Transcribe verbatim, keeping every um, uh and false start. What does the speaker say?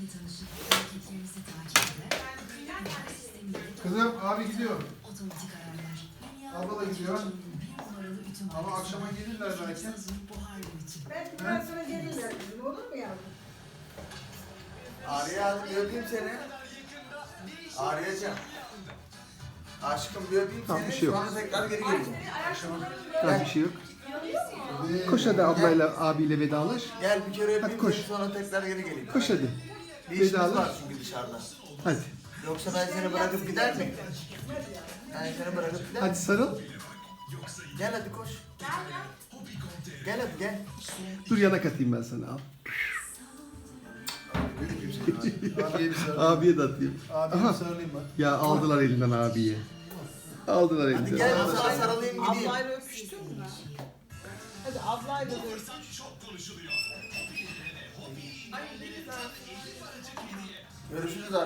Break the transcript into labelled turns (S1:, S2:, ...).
S1: Kızım abi gidiyor. Abla da gidiyor. Ama akşama gelirler belki.
S2: Ben bundan sonra gelirler kızım, olur mu yavrum?
S3: Arya bir öpeyim seni. Aryacığım. Aşkım bir öpeyim
S4: Tamam,
S3: seni.
S4: bir şey yok.
S3: Sonra tekrar geri geleceğim.
S4: Tamam, bir şey yok. Koş hadi ablayla, abiyle vedalaş.
S3: Gel bir kere
S4: Hadi
S3: öpeyim
S4: koş.
S3: seni sonra tekrar geri geleyim.
S4: Koş hadi.
S3: Bir işimiz
S4: Vedalaş.
S3: var çünkü dışarıda.
S4: Hadi.
S3: Yoksa ben seni bırakıp gider miyim? Ben seni bırakıp gider
S4: Hadi
S3: miyim?
S4: sarıl.
S3: Gel hadi koş. Gel hadi gel.
S4: Dur yanak atayım ben sana al.
S1: Abiye bir sarılayım.
S4: Abiye de atayım.
S1: Abiye
S4: Aha.
S1: bir sarılayım ben.
S4: Ya aldılar elinden abiyi. Aldılar
S3: Hadi
S4: elinden.
S3: gel ben sana sarılayım gideyim.
S2: Ablayla öpüştün mü? Hadi ablayla da öpüştün.
S3: Görüşürüz abi.